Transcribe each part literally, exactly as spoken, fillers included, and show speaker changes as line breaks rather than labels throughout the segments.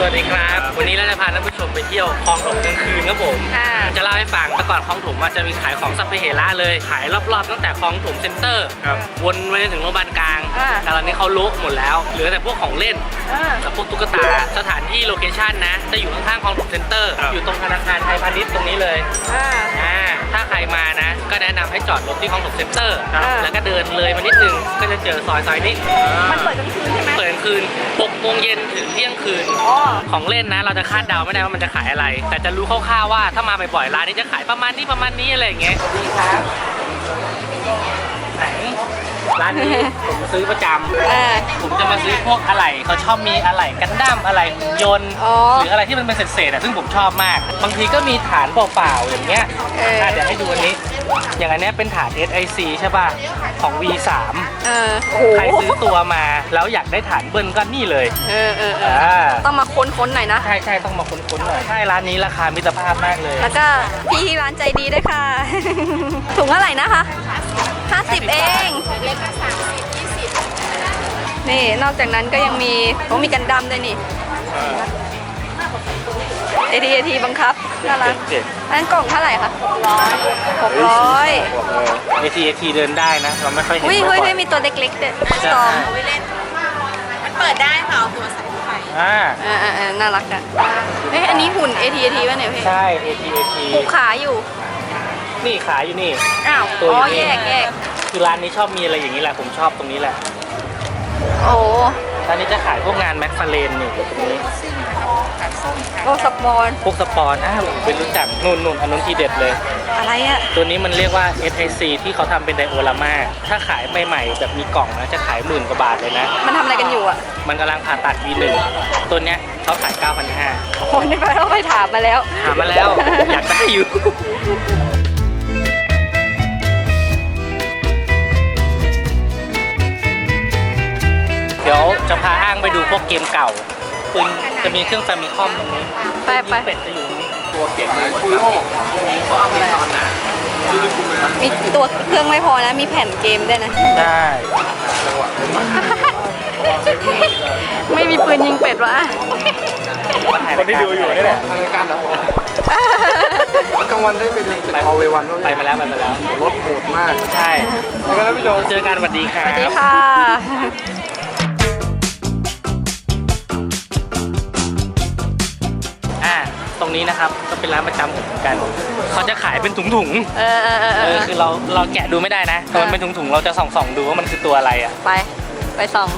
วัสดีครับวันนี้เราจะพาท่านผู้ชมไปเที่ยวคลองถมกลางคืนครับผมจะเล่าให้ฟังแต่ก่อนคลองถมมันจะมีขายของสัพเพเหระเลยขายรอบๆตั้งแต่คลองถมเซ็นเตอร์วนไปถึงโรงพยาบาลกลางแต่ตอนนี้เขาลุกหมดแล้วเหลือแต่พวกของเล่นกับพวกตุ๊กตาสถานที่โลเคชั่นนะจะอยู่ข้างๆคลองถมเซ็นเตอร์อยู่ตรงธนาคารไทยพาณิชย์ตรงนี้เลยถ้าใครมานะก็แนะนำให้จอดรถที่คลองถมเซ็นเตอร์แล้วก็เดินเลยมานิดนึงก็จะเจอซอยซอยนี้
มันเปิดกลางคืนใช่ไหม
เปิดกลางคืนหกโมงเย็นถึงเที่ยงคืนของเล่นนะเราจะคาดเดาไม่ได้ว่ามันจะขายอะไร แต่จะรู้คร่าวๆว่าถ้ามาบ่อยๆร้านนี้จะขายประมาณนี้ประมาณนี้อะไรอย่างเงี้ยดีครับไหนร้านนี้ผมซื้อประจำผมจะมาซื้อพวกอะไหล่เขาชอบมีอะไหล่กันดั้มอะไหล่หุ่นยนต์หรืออะไรที่มันเป็นเศษๆอ่ะซึ่งผมชอบมากบางทีก็มีฐานเปล่าๆอย่างเงี้ยเดี๋ยวให้ดูอันนี้อย่างอันนี้เป็นฐาน เอส ไอ ซี ใช่ป่ะของ วี สาม
เออ
ใครซื้อตัวมาแล้วอยากได้ฐานเบิ้ลก็นี่เลย
เออเออต้องมาค้นๆหน่อยนะ
ใช่ใช่ต้องมาค้นๆหน่อยใช่ร้านนี้ราคามิตรภาพมากเลย
แล้วก็พี่ที่ร้านใจดีด้วยค่ะถุงเท่าไหร่นะคะห้าสิบเองนี่นอกจากนั้นก็ยังมีเขามีกันดั้มด้วยนี่เอทีเอทีบังคับน่ารักอันกล่องเท่าไหร่คะหกร้อยหกร้อย
เอทีเอทีเดินได้นะเราไม่ค่อยเห็น
เฮ้ยเฮ้ยมีตัวเล็กๆด้วยซอง
มันเปิดได้ค่ะเอาตัวใส่ไฟ
อ่า
อ่าอ่าน่ารักอ่ะเฮ้ยอันนี้หุ่น เอ ที เอ ที ป่ะเนี่ยพี่
ใช่ เอ ที เอ ที
ผูกขาอยู่
นี่ขาอยู่นี่
อ้าวอ๋อแยกแยก
คือร้านนี้ชอบมีอะไรอย่างนี้แหละผมชอบตรงนี้แหละ
โอ้
ร้านนี้จะขายพวกงานแม็กฟาเลนนี่ตรงนี้
โอ้สปอน
พวกสปอนอ้าวเป็นรู้จักนุ่นนุ่นอันนู้นทีเด็ดเลย
อะไรอะ
ตัวนี้มันเรียกว่า เอส ไอ ซี ที่เขาทำเป็นไดโอรามาถ้าขายใหม่ๆแบบมีกล่องนะจะขายหมื่นกว่าบาทเลยนะ
มันทำอะไรกันอยู่อะ
มันกำลังผ่าตัด วี หนึ่ง ตัวเนี้ยเขาขาย เก้าพันห้าร้อย
โอ้นี่ไปเราไปถามมาแล้ว
ถามมาแล้วอยากได้อยู่เดี๋ยวจะพาอ้างไปดูพวกเกมเก่าคุณจะมีเครื่องแฟมิคอมตรงนี้
ไปไป
เป็ดจะอยู่ตรงนี้ตัวเก็บคุโร่
มีตัวเครื่องไม่พอนะมีแผ่นเกมด้วยนะ
ใช่
ไม่มีปืนยิงเป็ดวะ
คนที่ดูอยู่นี่แหละรายการนะ
กลางวันได้ไปเลยไปเอาเววัน
ไปมาแล้วไปมาแล้ว
รถโหดมาก
ใช่แล้วก็พี่โจเจอกันสวัสดีครับ
สวัสดีค่ะ
ตรงนี้นะครับก็เป็นร้านประจำผมเหมือนกันเขาจะขายเป็นถุงๆ
เออเออเออ
คือเราเราแกะดูไม่ได้นะแต่มันเป็นถุงๆเราจะส่องๆดูว่ามันคือตัวอะไรอ่ะ
ไปไปส่อง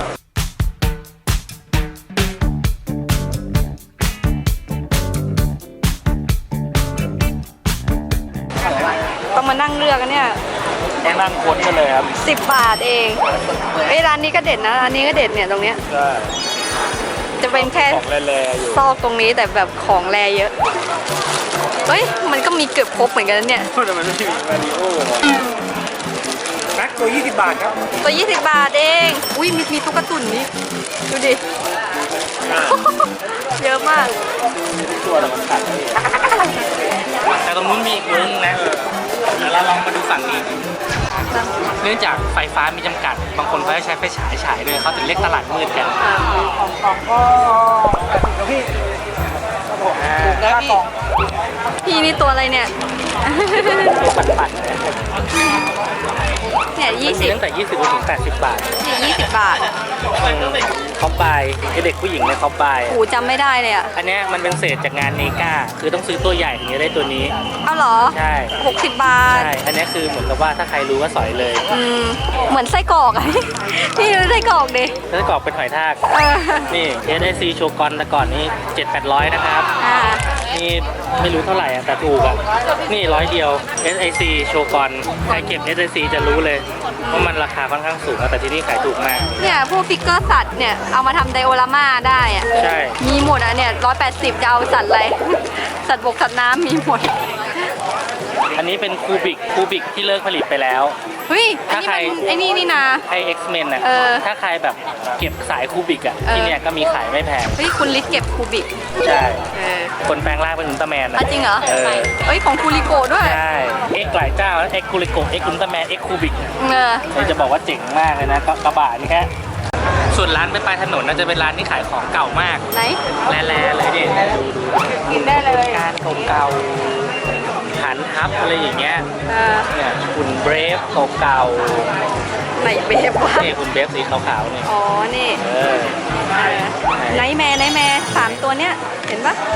ต้องมานั่งเลือกกันเนี่ย
ต้องนั่งค้นกันเลยครับ
สิบบาทเองไอ้ร้านนี้ก็เด็ดนะร้านนี้ก็เด็ดเนี่ยตรงเนี้ยจะเป็นแค่ซอกตรงนี้แต่แบบของแรเยอะเฮ้ยมันก็มีเกือบครบเหมือนกันเนี่ย
แต่มันไม่มีมาริโอ้แม็กตัวยี่สิบบาทครับ
ตัวยี่สิบบาทเองอุ้ยมีมีตุ๊กตุ่นนี่ดูดิเยอะมาก
ตัวละมันขาดแต่ตรงนู้นมีอีกวงนะเดี๋ยวเราลองมาดูฝั่งนี้เนื่องจากไฟฟ้ามีจำกัดบางคนเขาจะใช้ไฟฉายฉายเลยเขาถึงเรียกตลาดมืดกัน
ของของก็พี่
ถูกแล้วพี่พี่นี่ตัวอะไรเนี่ย
ตัวปั่นๆ
เนี่ยยี่สิบ
ตั้งแต่ยี่สิบถึงแปดสิบบาท
เนี่ยยี่สิบบาท
คอปบายไอเด็กผู้หญิงในคอปบาย
โอ้จำไม่ได้เลยอ่ะ
อันนี้มันเป็นเศษจากงานเนก้าคือต้องซื้อตัวใหญ่ถึงจะได้ตัวนี้
เอาเหรอ
ใช่
หกสิบบาท
ใช่อันนี้คือเหมือนกับว่าถ้าใครรู้ว่าสอยเลย
อืมเหมือนไส้กรอกอะพี่รู้ไส้กรอกดิ
ไส้กรอกเป็นหอยทากนี่ เอส ไอ ซี โชกอนแต่ก่อนนี้เจ็ดแปดร้อยนะครับนี่ไม่รู้เท่าไหร่อ่ะแต่ถูกอ่ะนี่ร้อยเดียว เอส ไอ ซี โชกอนใครเก็บ เอส ไอ ซี จะรู้เลยว่ามันราคาค่อนข้างสูงแต่ที่นี่ขายถูกมาก
เนี่ยพวกฟิกเกอร์สัตว์เนี่ยเอามาทำไดโอรามาได้อ่ะ
ใช่
มีหมดอ่ะเนี่ยร้อยแปดสิบจะเอาสัตว์อะไรสัตว์บกสัตว์น้ำมีหมด
อันนี้เป็นคูบิกคูบิกที่เลิกผลิตไปแล้ว
เฮ้ยถ้าใครไอ้นี่นี่นะ
ไอ X-Men อ่ะถ้าใครแบบเก็บสายคูบิกอ่ะที่เนี่ยก็มีขายไม่แพง
เฮ้ยคุณลิศเก็บคูบิก
ใช่คนแปลงร่างเป็นอุลตร้าแมน
นะจริงเหรอเฮ้ยของคูริโกะด้วย
ใช่ X หลายเจ้า X คูริโกะ X อุลตร้าแมน X คูบิกเออจะบอกว่าเจ๋งมากเลยนะกระบะนี่แค่ส่วนร้านไปปลายถนนน่าจะเป็นร้านที่ขายของเก่ามาก
ไหน
แร่ๆเลยดิดูดู
กินได้เลย
การเก่าๆหันทับอะไรอย่างเงี้ย
เออ
เนี่ยคุณเบรฟเก่า
ไหนเบฟวะ
ๆนี่คุณเบรฟสีขาวๆเนี่ย
อ๋อ นี่
เออ
ไนท์แมร์ไนท์แมร์สามตัวเนี้ย เห็นปะ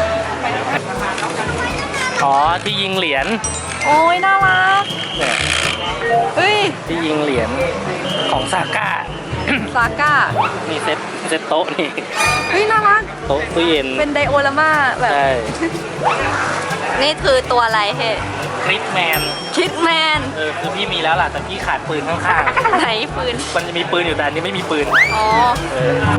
อ๋อที่ยิงเหรียญ
โอ้ยน่ารัก
เนี่ย
เฮ้ย
ที่ยิงเหรียญของซาก้า
ซาก้า
มีเซ็ตเซ็ตโต๊ะนี่
เฮ้ยน่ารัก
โต๊ะตู้เย็น
เป็นไดโอรามาแบบ
ใช่
นี่คือตัวอะไรเฮ้
คริสแมน
คิดแมน
เออคือพี่มีแล้วล่ะแต่พี่ขาดปืนข้าง
ไหนปืน
ๆมันจะมีปืนอยู่แต่อันนี้ไม่มีปืน
อ๋อ
เออ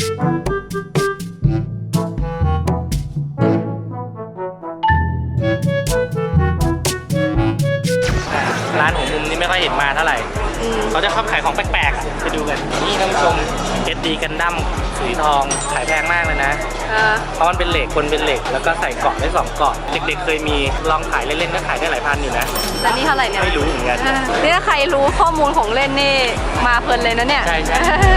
ร้านของมุมนี้ไม่ค่อยเห็นมาเท่าไหร่
อืม
เขาจะชอบขายของแปลกๆอะไปดูกัน นี่ท่านผู้ชมเอสดีกันดั้มสีทองขายแพงมากเลยนะ
เออ
เพราะมันเป็นเหล็กคนเป็นเหล็กแล้วก็ใส่เกาะได้สองเกาะเด็กๆเคยมีลองขายเล่นๆก็ขายได้หลายพันอยู่นะ
แล้วนี่เท่าไหร่เนี่ย
ไม่รู้เหมือนกัน
เออนี่ถ้าใครรู้ข้อมูลของเล่นนี่มาเพลินเลยนะเนี่ย
ใช่ใช่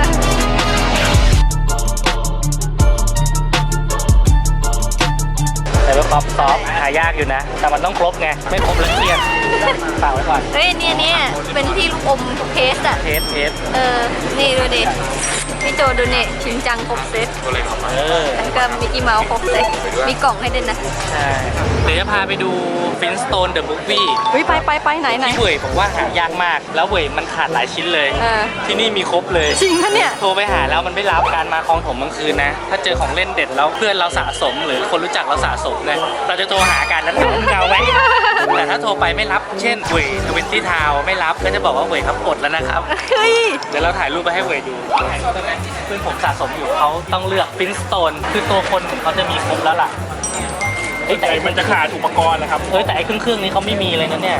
แต่ว่าป๊อปซอฟหายากอยู่นะ แต่มันต้องครบไงไม่ครบแล้วเครียดฝากไว้ก่อน
เฮ้ยเนี่ยเนี่ยเป็นที่ลูกอมเพสอะ
เทสเทส
เออ นี่ดูดิ พี่โจดูนี่ชินจังครบเซต
เออ
แล้วก็มิกกี้เมาส์ครบเซตมีกล่องให้ด้วยนะ
ใช่เดี๋ยวจะพาไปดูฟินสโตนเดอะบุ๊กวี่
เฮ้ยไปไปไปไหนไหน
ที่เว่ยบอกว่าหายากมาก แล้วเว่ยมันขาดหลายชิ้นเลย
เออ
ที่นี่มีครบเลย
จริงปะเนี่ย
โทรไปหาแล้วมันไม่รับการมาคลองถมกลางคืนนะ ถ้าเจอของเล่นเด็ดแล้วเพื่อนเราสะสมหรือคนรู้จักเราสะสมเนี่ยเราจะโทรหากันแล้วถามว่าเอาไหมแต่ถ้าโทรไปไม่รับ เช่นเว่ยทเวนตี้ทาวไม่รับก็จะบอกว่าเว่ยครับกดแล้วนะครับ
เฮ้ย
เดี๋ยวเราถ่ายรูปไปให้เว่ยดูเพื่อนผมสะสมอยู่เขาต้องเลือกฟินสโตนคือตัวคนของเขาจะมีครบแล้วล่ะเฮ้ยแต่มันจะขาดอุปกรณ์นะครับเฮ้ยแต่ไอ้เครื่องเครื่องนี้เขาไม่มีเลยนะเนี่ย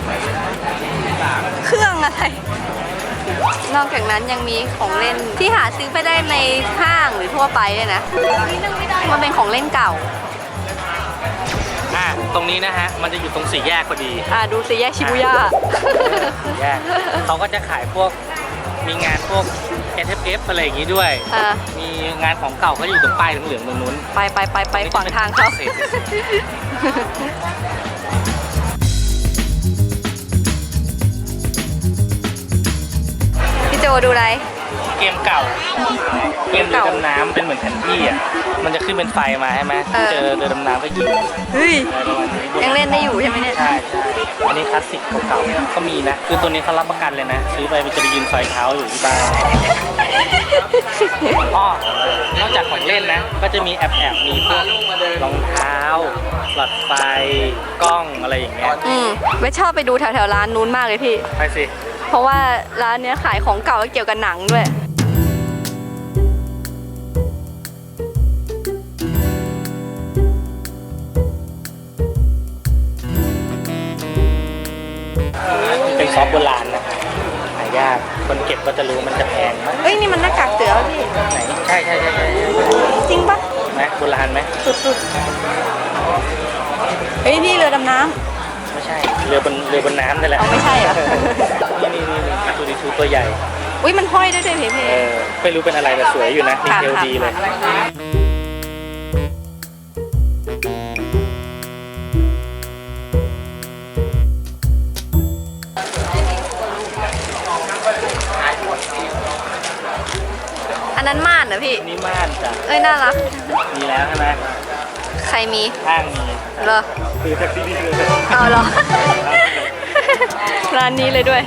เครื่องอะไร นอกจากนั้นยังมีของเล่นที่หาซื้อไปได้ในห้างหรือทั่วไปเลยนะ มันเป็นของเล่นเก่า
อ่ะตรงนี้นะฮะมันจะอยู่ตรงสี่แยกพอดี
อ่าดูสิแยกชิบุย่า
สี่แยกเขาก็จะขายพวกมีงานพวก เอส เอฟ เอฟ อะไรอย่างงี้ด้วย
อ่า
มีงานของเก่าเขาอยู่ตรงป้ายเหลืองๆตรงนู้น
ไปไปไปไปขวางทางเขาพี่โจดูอะไร
เกมเก่า เกมเรือดำน้ำเป็นเหมือนแผนที่อ่ะ มันจะขึ้นเป็นไฟมาใช่ไหม
เออ
เจอเรือดำน้ำก็ยิง
เฮ้ย
อะไรประมาณนี้
ยังเล่นได้อยู่ใช่ไหมเนี่ย
ใช่ใช่อันนี้คลาสสิกเก่าๆก็มีนะ คือตัวนี้เขารับประกันเลยนะ ซื้อไปมันจะไปยืนไฟเท้าอยู่ที่บ้านอ๋อนอกจากของเล่นนะ ก็จะมีแอบแอบๆมีพวกรองเท้า หลอดไฟ กล้องอะไรอย่างเงี้ย
อืมไม่ชอบไปดูแถวแถวๆร้านนู้นมากเลยพี่
ไปสิ
เพราะว่าร้านเนี้ยขายของเก่าและเกี่ยวกับหนังด้วย
เป็นซอฟต์โบราณนะหายาก คนเก็บก็จะรู้มันจะแพงมาก
เอ้ยนี่มันหน้ากากเสือพี่
ไหนใช่ใช่ใช่ใช่
จริงปะ
ไหมโบราณไหม
สุดๆ เฮ้ยนี่เรือดำน้
ไม่ใช่ เรือบนเรือบนน้ำนี่แห
ำ
ละ
เอาไม่ใช่เหรอ
นี่นี่นี่นี่ตัวนี้ชูตัวใหญ่
อุ้ยมันห้อยได้ด้วยเพเพ
เออไม่รู้เป็นอะไรแต่สวยอยู่นะดีเทลดีเลย
อันนั้นม่านเหรอพี่
นี่ม่านจ้ะ
เอ้ยน่ารัก
มีแล้วใช่ไหม
ใครมี
ห้างมี
เหรอ
คือแท็กซี่ดีเลย
เอาเหรอ ร้านนี้เลยด้วย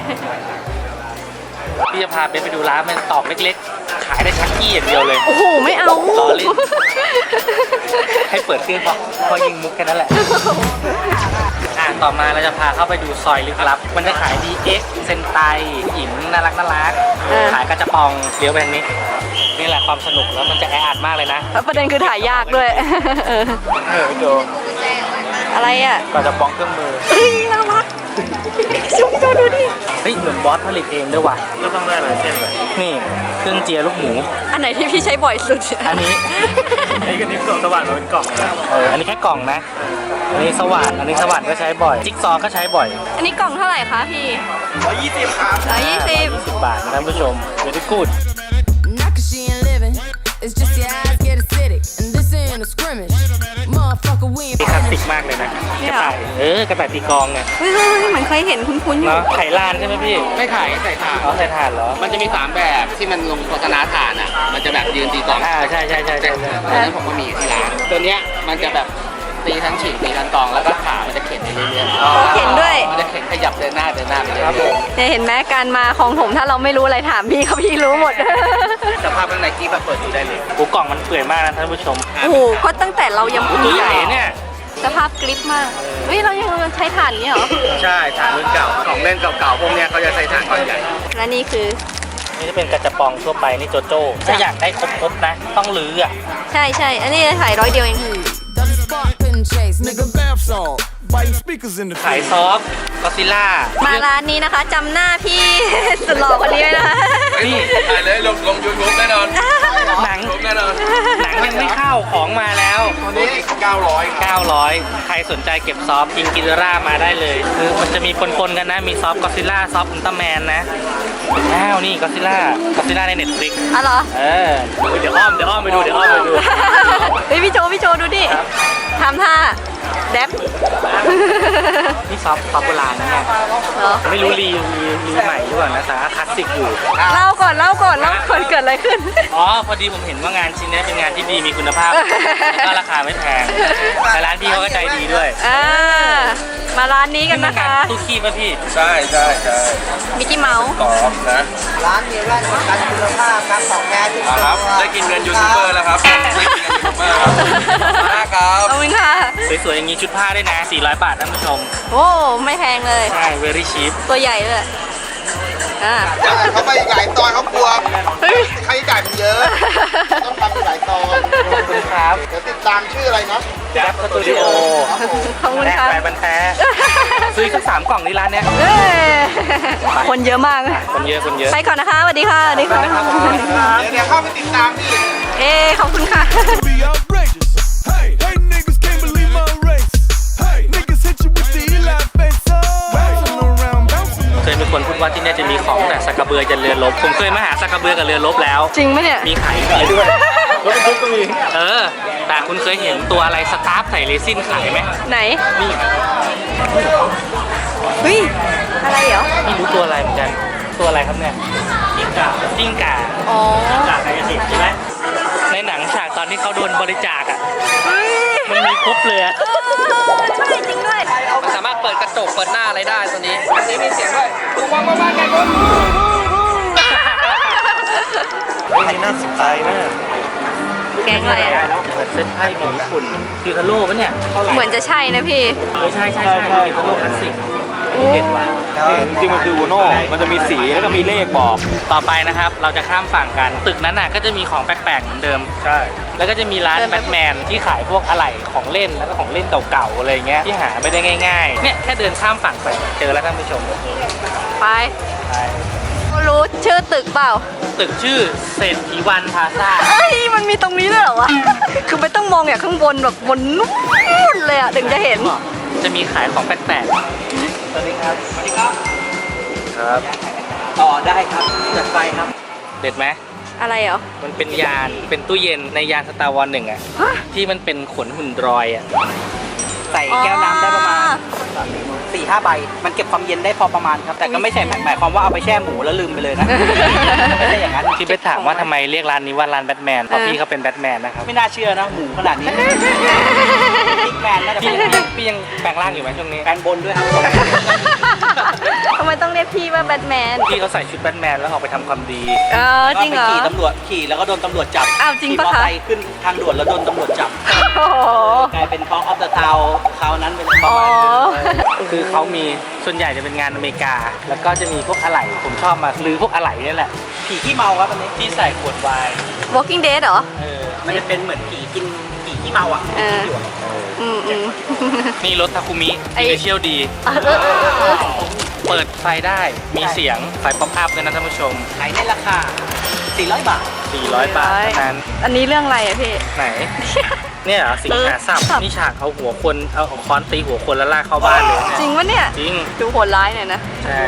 พี่จะพาเบนไปดูร้านมันตอกเล็กๆ ขายได้ชักกี้อย่างเดียวเลย
โอ้โห ไม่เอา
ล้อเล่น ให้เปิดเครื่องพอพอยิงมุกแค่นั้นแหละ อ่ะต่อมาเราจะพาเข้าไปดูซอยลึกลับ มันจะขาย ดี เอ็กซ์ เซนไตหญิงน่ารักน่ารัก
เออ
ขายกระจะปองเลี้ยวไปทางนี้ นี่แหละความสนุกแล้วมันจะแออัดมากเลยนะ
แล้วประเด็นคือถ่ายยากด้วย เออ
เออโจ
อะไรอ่ะ
กระจะปองเครื่องมือ
เฮ้ยน่ารักชูพี่โจดูดิ
เฮ้ยเหมือนบอสผลิตเองด้วยว่ะก็ต้องได้หลายเส้นเลยนี่เครื่องเจียลูกหมู
อันไหนที่พี่ใช้บ่อยสุด
อันนี้
ไอ้กันนี้กล่องสว่านมันเป็นกล่องนะ
เอออันนี้แค่กล่องนะ อันนี้สว่านอันนี้สว่านก็ใช้บ่อย จิ๊กซอว์ก็ใช้บ่อย
อันนี้กล่องเท่าไหร่คะพี่
ร้อยยี่สิบครับ
ร้อยยี่สิบ
ยี่สิบบาทนะท่านผู้ชม very good
And I can see in
สิกมากเลยนะ
เนี่
ก
ย
ระ
เหรอ
ต่ายเออกระต่ายตีกลองเนี่ย
เฮ้ยเฮ้ยเฮ้ยเหมือนเคยเห็นคุ้นๆอยู่
เนาะไข่ลานใช่ไหมพี่
ไม่ขายใส่ถ่าน
อ๋อใส่ถ่านเหรอ
มันจะมีสามแบบที่มันลงโฆษณาถ่านอ่ะ มันจะแบบยืนตีกลอง
อ่าใช่ใช่ใช่ใช่ใช่
ตอนนั้นผมก็มีที่ร้าน ตัวเนี้ยมันจะแบบตีทั้งฉีกตีทั้งกลองแล้วก็ขามันจะเข็นไปเรื่อยๆ
โอ้เข็นด้วย
มันจะเข็นขยับเดินหน้าเดินหน้าไปเรื่
ครับผ
อย
ม
เนี่ยเห็นไหมการมาของผมถ้าเราไม่รู้อะไรถามพี่เขาพี่รู้หมด
ๆสภาพข้างในกี้แบบเปิดดูได้เลย
โอ้กล่องมันเปื่อยมากนะท่านผู้ชม
โอ้โหก็ตั้งแต่เรายัง
โอ้ตัวใหญ่เนี่ย
สภาพกริปมากเฮ้ยเรายังใช้ถ่านนี้เหรอ
ใช่ถ่านรุ่นเก่า ของเล่นเก่าๆพวกเนี้ยเขาจะใช้ถ่านก้อนใหญ่
และนี่คือ
นี่จะเป็นกระจะปองทั่วไปนี่โจโจ้ถ้าอยากได้ครบๆนะ ต้องลื้ออ่ะ
ใช่ใช่อันนี้ขายร้อยเดียวเอง
Does the spark pin chase, nigga bath salt. Biting speakers in the
ขายซอฟก็ซิล่า
มาร้านนี้นะคะจำหน้าพี่ สุดหล่อคนนี้ไว้นะคะ
นี่
ถ่ายเลยลงลงยูทูบแน่นอน
หนัง
ลงแน่นอน
หนังยังไม่เข้าของมาแล้ว
ตัวนี้เก้าร้อย
เก้าร้อย ใครสนใจเก็บซอฟกิงกิโดรามาได้เลย คือมันจะมีปนๆกันนะ มีซอฟก็ซิล่าซอฟอุลตร้าแมนนะอ้าวนี่ก็ซิล่าก็ซิล่าในเน็ตฟลิก
อ๋อเหรอ
เออเดี๋ยวอ้อมเดี๋ยวอ้อมไปดูเดี๋ยวอ้อมไปดู
เฮ้ยพี่โจพี่โจดูดิทำท่าแดบ
นี่ซอฟซอฟโบราณนะเนี่ย
เหรอ
ไม่รู้รีรีรีใหม่หรือเปล่านะแต่ว่าคลาสสิกอยู่
เล่าก่อนเล่าก่อนเล่าก่อนเกิดอะไรขึ้น
อ๋อ พอดีผมเห็นว่างานชิ้นนี้เป็นงานที่ดีมีคุณภาพ แล้วก็ราคาไม่แพงแต่ร้านพี่เขาก็ใจดีด้วย
อ่ามาร้านนี้กันนะคะ
ตู้คีบป่ะพี่
ใช่ใช่ใช่
มิกกี้เมาส์
กรอบนะ
ร้านมีแว่นประกันคุณภาพครับของแท้ทุก
อ่า
ตัว
ครับ ได้กินเงินยูทูบเบอร์แล้วครับ ได้กินเงินยูทูบเบอร์ครับมากครับ
ขอบคุณค่ะ
สวยๆอย่างนี้ชุดผ้าด้วยนะ สี่ร้อย บาทท่านผู้ชม
โอ้ไม่แพงเลย
ใช่ very cheap
ตัวใหญ่เลยอ่า
เขาไปหลายตอนเขากลัว
เฮ้ย
ค่าใช้จ่ายมันเยอะ ต้องทำหลายตอน
ขอบคุณครับ
เดี๋ยวติดตามชื่ออะไรนะ
แจ๊บสตูดิโอ
ขอบคุณ
แรก
ค่ะ
ไปบันแท้ ซื้อสักสามกล่องที่ร้านเนี้ย
เอ้ยคนเยอะมาก
คนเยอะคนเยอะ
ไปก่อนนะคะสวัสดีค่ะสวัสดีค่ะ
เดี๋ยวเดี๋ยวเข้าไปติดตามพี่
เอ้ขอบคุณค่ะ
be outrageous. Hey, hey, niggas can't believe my race. Hey, niggas hit you with the Eli face. Oh, bouncing around, bouncing
เคยมีคนพูดว่าที่เนี่ยจะมีของแต่สักกระเบือยันเรือรบ ผมเคยมาหาสักกระเบือกับเรือรบแล้ว
จริงไหมเนี่ย
มีขายขายด้วยรถบรรทุกก็มี เออ แต่คุณเคยเห็นตัวอะไรสตาร์ฟใส่เรซินขายไหม
ไหน
นี่
เฮ้ยอะไรเหรอ
ไม่รู้ตัวอะไรเหมือนกัน ตัวอะไรครับเนี่ยจิ้งก่าจิ้งก่า
อ๋อ
จ่าไกายสิทธิ์ใช่ไหมในหนังฉากตอนที่เขาโดนบริจาคอ่ะ
เฮ้ย
มันมีครบเลยอะ
ใช่จริงด้วย
มันสามารถเปิดกระจกเปิดหน้าอะไรได้ตัวนี้อันนี้มีเสียงด้วยดูว่างว่างไงก็
เฮ้ยนี่น่าสนใจมาก
แกงอะไรอะ
เหมือนเซ็ตไพ่ของญี่ปุ่นคือคาโร่ปะเนี่ยเท่าไหร่
เหมือนจะใช่นะพี่
เออใช่ใช่ใช่คือคาโร่คลาสสิกเด็ดว่ะ
จริงมันคืออูโน่มันจะมีสีแล้วก็มีเลขบอก
ต่อไปนะครับ เราจะข้ามฝั่งกัน ตึกนั้นน่ะก็จะมีของแปลกๆเหมือนเดิม ใช่ แล้วก็จะมีร้าน
เดิน
แบ
ไป
ทแมนที่ขายพวกอะไหล่ของเล่นแล้วก็ของเล่นเก่าๆอะไรเงี้ยที่หาไม่ได้ง่ายๆ เนี่ยแค่เดินข้ามฝั่งไปเจอแล้วท่านผู้ชม
ไป
ใช่
รู้ชื่อตึกเปล่า
ตึกชื่อเศรษฐีวันพลาซ่า
เอ้ยมันมีตรงนี้ด้วยเหรอวะ คือไม่ต้องมองอย่างข้างบนแบบบนนู้นเลยอะถึงจะเห็น
จะมีขายของแปลกๆ สวัสดีครับ สวัสดีครับ ครับ
ต่อได้ครับจัดไปครับ
เด็ดไหม
อะไรเหรอ
มันเป็นยาน เป็นตู้เย็นในยานสตาร์วอร์หนึ่งอะ
ฮะ
ที่มันเป็นขนหุ่นดรอยอะ
ใส่แก้วน้ำได้ประมาณสี่ห้าใบ มันเก็บความเย็นได้พอประมาณครับ แต่ก็ไม่ใช่หมายความว่าเอาไปแช่หมูแล้วลืมไปเลยนะ ไม่ใช่อย่างนั้น
ที่ไปถามว่าทำไมเรียกร้านนี้ว่าร้านแบทแมน เพราะพี่เขาเป็นแบทแมนนะครับ
ไม่น่าเชื่อนะ หมูขนาดนี้บิ๊กแมนน่าจะ
พี่
เป็น
พี่พี่ยังแปลงร่างอยู่ไหมช่วงนี้
แฟนบนด้วยครับ
ทำไมต้องเรียกพี่ว่าแบทแมน
พี่เขาใส่ชุดแบทแมนแล้วออกไปทำความดี
เออจริงเหรอ
ก็ไปขี่ตำรวจขี่แล้วก็โดนตำรวจจับ
อ้าวจริง
ขี่
ปะ
มอ
คะ
ไซค์ขึ้นทางด่วนแล้วโดนตำรวจจับ
โอ้โห
กลายเป็นทองออฟเดอะทาวคราวนั้นเป็นประ
อ๋อ
มาณนึง
คือเขามีส่วนใหญ่จะเป็นงานอเมริกา แล้วก็จะมีพวกอะไหล่ผมชอบมาหรือพวกอะไหล่นี่แหละ
ผีขี้เมาครับอันนี้
ที่ใส่ขวดไวน์
Walking Dead เหรอ
เออ
มันจะเป็นเหมือนผีกินผีขี้เมาอ่ะ
เออ อืมอืม
นี่รถทาคุมิ
ไอ้
อิเชียลดี
เออเออเออเออ
เปิดไฟได้มีเสียงไฟป๊อปอัพด้วยนะท่านผู้ชม
ขายในราคาสี่ร้อยบาท
สี่ร้อย บาทเท่านั้น
อันนี้เรื่องอะไรอะพี่
ไหน เนี่ยเหรอสิงหาสับ
เออ
นี่ฉากเอาหัวคนเอาเอาค้อนตีหัวคนแล้วลากเข้าบ้านเลยเนี่ย
จริงวะเนี่ย
จริง
ดูโหดร้ายหน่อยนะ
ใช่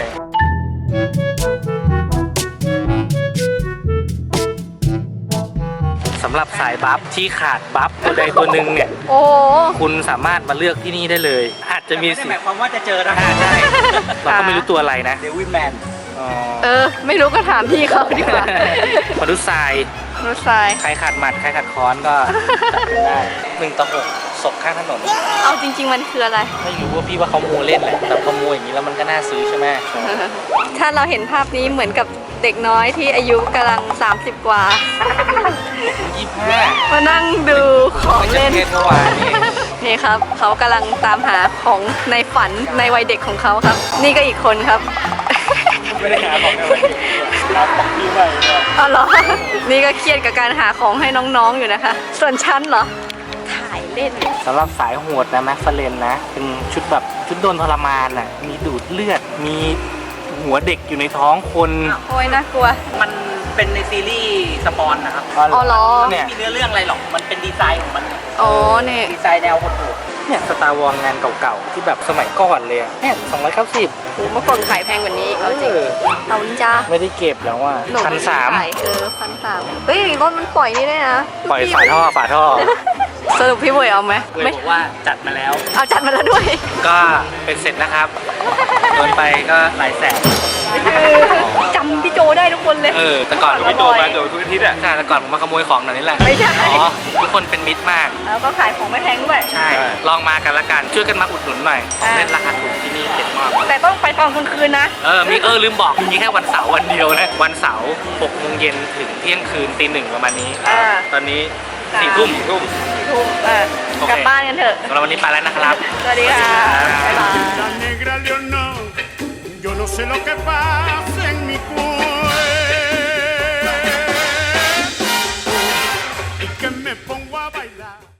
สำหรับสายบัฟที่ขาดบัฟตัวใดตัวหนึ่งเนี่ย
โอ้โห
คุณสามารถมาเลือกที่นี่ได้เลย อาจจะมี
ไม่ได้
สิ
หมายความว่าจะเจอนะ
อ่าใช่เราก็ไม่รู้ตัวอะไรนะ
เดวิดแมน
อ๋อ
เออ ไม่รู้ก็ถามพี่เขาดีกว่า
มนุษย์ทราย
รถทราย
ใครขาดหมัดใครขาดค้อนก็จับกันได้หนึ่งต่อหกศพข้างถนน
เอาจริง ๆ มันคืออะไร
ไม่รู้ว่าพี่ว่าเขาโมเล่นแหละแต่พอโมอย่างนี้แล้วมันก็น่าซื้อใช่ไหม
ถ้าเราเห็นภาพนี้เหมือนกับเด็กน้อยที่อายุกำลัง สามสิบ กว่า
ยี่สิบห้า
มานั่งดูของเล่น
เล่นเมื่อวานนี่
นี่ครับ เขากำลังตามหาของในฝันในวัยเด็กของเขาครับ นี่ก็อีกคนครับ
ไม่ได้หาของในวันนี้หาของพี่ใหม่เนี่ย
อ๋อเหรอ นี่ก็เครียดกับการหาของให้น้องๆอยู่นะคะ ส่วนฉันเหรอ ถ่ายเล่น
สำหรับสายโหดนะแม็กฟาเรนนะ เป็นชุดแบบชุดโดนทรมานอ่ะ มีดูดเลือด มีหัวเด็กอยู่ในท้องคน
โอ้ยน่ากลัว
มันเป็นในซีรีส์สปอนนะครับ
อ๋อเหรอ
เนี่ย
ไม่มีเนื้อเรื่องอะไรหรอก มันเป็นดีไซน์ของมัน
อ๋อเนี่ย
ดีไซน์แนวโหด
เนี่ยสตาร์วอลงานเก่าๆ ที่แบบสมัยก่อนเลยอะเนี่ยสองร้อยเก้าสิบ
โหเมื่อก่อนขายแพงกว่านี้เอาจริง เอานินจา
ไม่ได้เก็บแล้วอ่ะ
หนู
พันสาม
ขายเออพันสามเฮ้ยรถมันปล่อยนี่ได้นะ
ปล่อยฝาท่อฝาท่อ
สรุปพี่บวยเอาไหม
เลย
ไม่
บอกว่าจัดมาแล้ว
เอาจัดมาแล้วด้วย
ก็เป็นเสร็จนะครับ โดนไปก็หลายแสน
จำพี่โจได้ทุกคนเลย
เออ แต่ก่อน
พี่โจมาโดน
ทุกอาทิตย์อ่ะใช่แต่ก่อนผมมาขโมยของหน่อยนี่แหละ
ไม่ใช่
อ๋อ ทุกคนเป็นมิตรมาก
แล้วก็ขายของไม่แพงด้วย
ใช่ ลองมากันละกัน ช่วยกันมาอุดหนุนหน่อยของเล่นราคาถูกที่นี่เด็ดมาก
แต่ต้องไปตอนกลางคืนนะ
เออ มีเออลืมบอก มีแค่วันเสาร์วันเดียวนะ วันเสาร์หกโมงเย็นถึงเที่ยงคืนตีหนึ่งประมาณนี้
อ่า
ตอนนี้สี่ทุ่มทุ่ม
ถูกเออ
โอเค
กลับบ้านกันเถอะ
สำหรับวันนี้ไปแล้วนะครับ
สวัสดีค่ะ บ๊ายบาย
La negra Leonor, yo no sé lo que pasa en mi cuerpo y que me pongo a bailar.